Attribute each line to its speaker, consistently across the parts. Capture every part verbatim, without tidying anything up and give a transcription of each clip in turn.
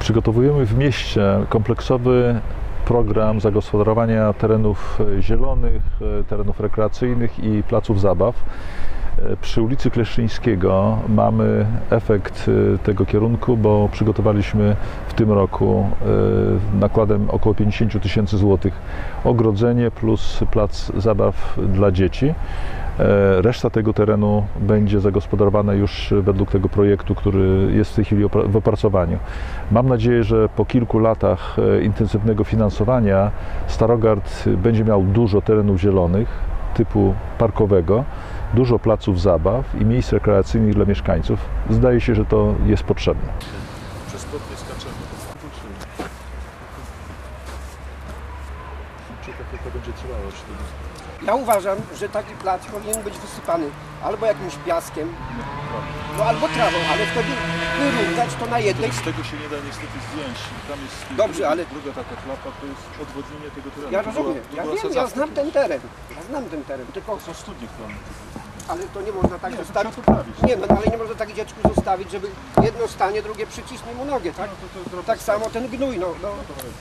Speaker 1: Przygotowujemy w mieście kompleksowy program zagospodarowania terenów zielonych, terenów rekreacyjnych i placów zabaw. Przy ulicy Kleszczyńskiego mamy efekt tego kierunku, bo przygotowaliśmy w tym roku nakładem około pięćdziesiąt tysięcy złotych ogrodzenie plus plac zabaw dla dzieci. Reszta tego terenu będzie zagospodarowana już według tego projektu, który jest w tej chwili w opracowaniu. Mam nadzieję, że po kilku latach intensywnego finansowania Starogard będzie miał dużo terenów zielonych typu parkowego, dużo placów zabaw i miejsc rekreacyjnych dla mieszkańców. Zdaje się, że to jest potrzebne.
Speaker 2: Przez płot nie skaczemy. Czy to będzie trwało?
Speaker 3: Ja uważam, że taki plac powinien być wysypany albo jakimś piaskiem, no albo trawą, ale wtedy wyrównać to na jednej.
Speaker 2: Z tego się nie da niestety zdjąć. Tam jest
Speaker 3: Dobrze, ale
Speaker 2: druga taka klapa, to jest odwodnienie tego terenu.
Speaker 3: Ja rozumiem, ja wiem, ja znam ten teren. Ja znam ten teren, tylko
Speaker 2: są studnie planu.
Speaker 3: Ale to nie można tak
Speaker 2: nie,
Speaker 3: zostawić.
Speaker 2: poprawić.
Speaker 3: Nie, no ale nie można tak dziecku zostawić, żeby jedno stanie, drugie przycisnie mu nogę, tak?
Speaker 2: No, to, to, to
Speaker 3: tak samo ten gnój, no. no.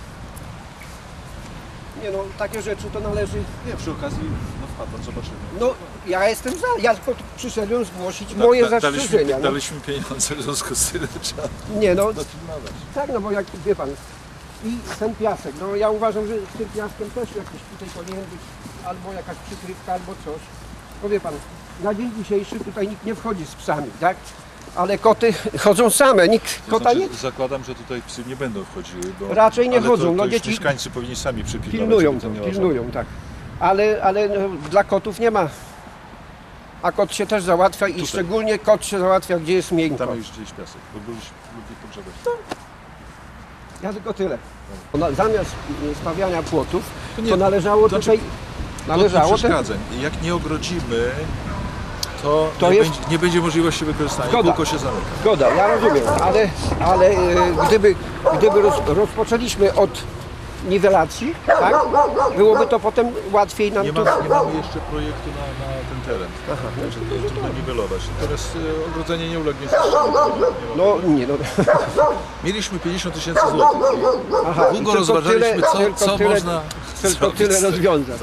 Speaker 3: Nie no, takie rzeczy to należy...
Speaker 2: Nie, przy okazji, no wpadł, zobaczymy.
Speaker 3: No, ja jestem za, ja tylko przyszedłem zgłosić da, moje da, zastrzeżenia.
Speaker 2: Daliśmy,
Speaker 3: no.
Speaker 2: daliśmy pieniądze, w związku z tym trzeba
Speaker 3: Nie no,
Speaker 2: dopilnować.
Speaker 3: Tak, no bo jak, wie pan, i ten piasek, no ja uważam, że z tym piaskiem też jakiś tutaj powinien być albo jakaś przykrywka, albo coś. No wie pan, na dzień dzisiejszy tutaj nikt nie wchodzi z psami, tak? Ale koty chodzą same, nikt
Speaker 2: To
Speaker 3: kota
Speaker 2: znaczy,
Speaker 3: nie...
Speaker 2: Zakładam, że tutaj psy nie będą wchodziły, bo...
Speaker 3: Raczej nie
Speaker 2: ale
Speaker 3: chodzą,
Speaker 2: to, to
Speaker 3: no
Speaker 2: już
Speaker 3: dzieci...
Speaker 2: mieszkańcy powinni sami przypilnować.
Speaker 3: Pilnują to, pilnują, tak. Ale, ale no, dla kotów nie ma. A kot się też załatwia i
Speaker 2: tutaj.
Speaker 3: Szczególnie kot się załatwia, gdzie jest miękko.
Speaker 2: Tam już gdzieś piasek, bo byliśmy lubi pogrzebać.
Speaker 3: No. Ja tylko tyle. Na, zamiast stawiania płotów,
Speaker 2: To
Speaker 3: to,
Speaker 2: nie,
Speaker 3: należało
Speaker 2: znaczy,
Speaker 3: tutaj... Należało ten...
Speaker 2: przeszkadzań. Jak nie ogrodzimy, to,
Speaker 3: To
Speaker 2: nie,
Speaker 3: jest-
Speaker 2: będzie, nie będzie możliwości wykorzystania,
Speaker 3: Zgoda.
Speaker 2: kółko się zamyka.
Speaker 3: Zgoda, ja rozumiem, ale, ale e, gdyby, gdyby roz, rozpoczęliśmy od niwelacji, tak, byłoby to potem łatwiej nam
Speaker 2: Nie,
Speaker 3: tu...
Speaker 2: ma, nie mamy jeszcze projektu na, na ten teren,
Speaker 3: Aha,
Speaker 2: także to jest trudno niwelować. Natomiast e, ogrodzenie nie ulegnie zniszczeniu.
Speaker 3: No nie, no.
Speaker 2: Mieliśmy pięćdziesiąt tysięcy złotych.
Speaker 3: Aha, i
Speaker 2: Długo
Speaker 3: tylko
Speaker 2: rozważaliśmy,
Speaker 3: tyle-
Speaker 2: co,
Speaker 3: tylko
Speaker 2: co
Speaker 3: tyle-
Speaker 2: można
Speaker 3: Tylko
Speaker 2: zrobić
Speaker 3: tyle
Speaker 2: z tym.
Speaker 3: rozwiązać.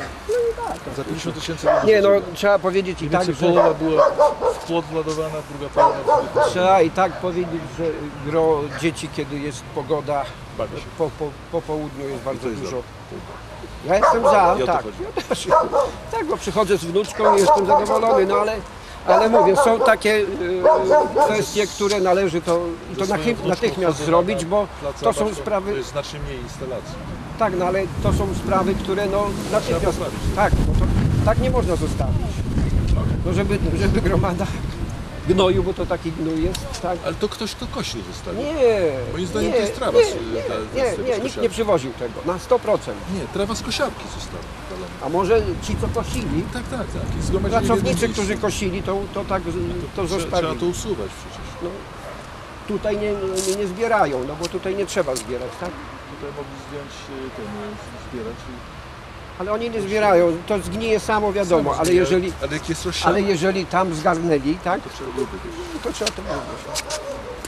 Speaker 2: Za pięćdziesiąt tysięcy
Speaker 3: Nie no, trzeba powiedzieć i tak,
Speaker 2: Więcej
Speaker 3: że...
Speaker 2: połowa była w płot władowana, druga połowa w
Speaker 3: Trzeba i tak powiedzieć, że gro dzieci, kiedy jest pogoda,
Speaker 2: Bawi się.
Speaker 3: po, po, po południu jest bardzo
Speaker 2: jest
Speaker 3: dużo. Ja jestem za,
Speaker 2: I o to
Speaker 3: tak.
Speaker 2: chodzi.
Speaker 3: Ja też. Tak, bo przychodzę z wnuczką i jestem zadowolony, no ale, ale mówię, są takie y, kwestie, które należy to, i to
Speaker 2: swoją
Speaker 3: nachy-
Speaker 2: wnuczką
Speaker 3: natychmiast
Speaker 2: chodzę
Speaker 3: zrobić,
Speaker 2: na
Speaker 3: bo
Speaker 2: plac
Speaker 3: to
Speaker 2: zabaw,
Speaker 3: są sprawy,
Speaker 2: To jest znacznie mniej instalacji.
Speaker 3: tak, no ale to są sprawy, które no natychmiast,
Speaker 2: poprawić.
Speaker 3: tak, no to, tak nie można zostawić. No żeby, żeby gromada gnoju, bo to taki gnój jest, tak.
Speaker 2: Ale to ktoś to kościół zostawił.
Speaker 3: Nie,
Speaker 2: Moim zdaniem
Speaker 3: nie,
Speaker 2: to jest trawa
Speaker 3: nie,
Speaker 2: z-
Speaker 3: nie,
Speaker 2: ta- z
Speaker 3: nie,
Speaker 2: tego
Speaker 3: nie, nikt
Speaker 2: skosiarki.
Speaker 3: nie przywoził tego, na sto procent.
Speaker 2: Nie, trawa z kosiarki została.
Speaker 3: A może ci, co kosili,
Speaker 2: Tak, tak, tak. I zgromadzili w jednym
Speaker 3: pracownicy,
Speaker 2: miejscu.
Speaker 3: którzy kosili, to, to tak to
Speaker 2: Trze- Trzeba
Speaker 3: zostawili.
Speaker 2: to usuwać przecież.
Speaker 3: No, tutaj nie, nie, nie zbierają, no bo tutaj nie trzeba zbierać, tak?
Speaker 2: Tutaj mogli zdjąć y, ten, y, zbierać. i-
Speaker 3: Ale oni nie zbierają, to zgnije samo, wiadomo,
Speaker 2: Samo
Speaker 3: ale
Speaker 2: zbierać.
Speaker 3: jeżeli,
Speaker 2: Ale jak jest rozsiane,
Speaker 3: ale jeżeli tam zgarnęli, tak,
Speaker 2: to trzeba byłoby wiesz.
Speaker 3: to trzeba to zrobić.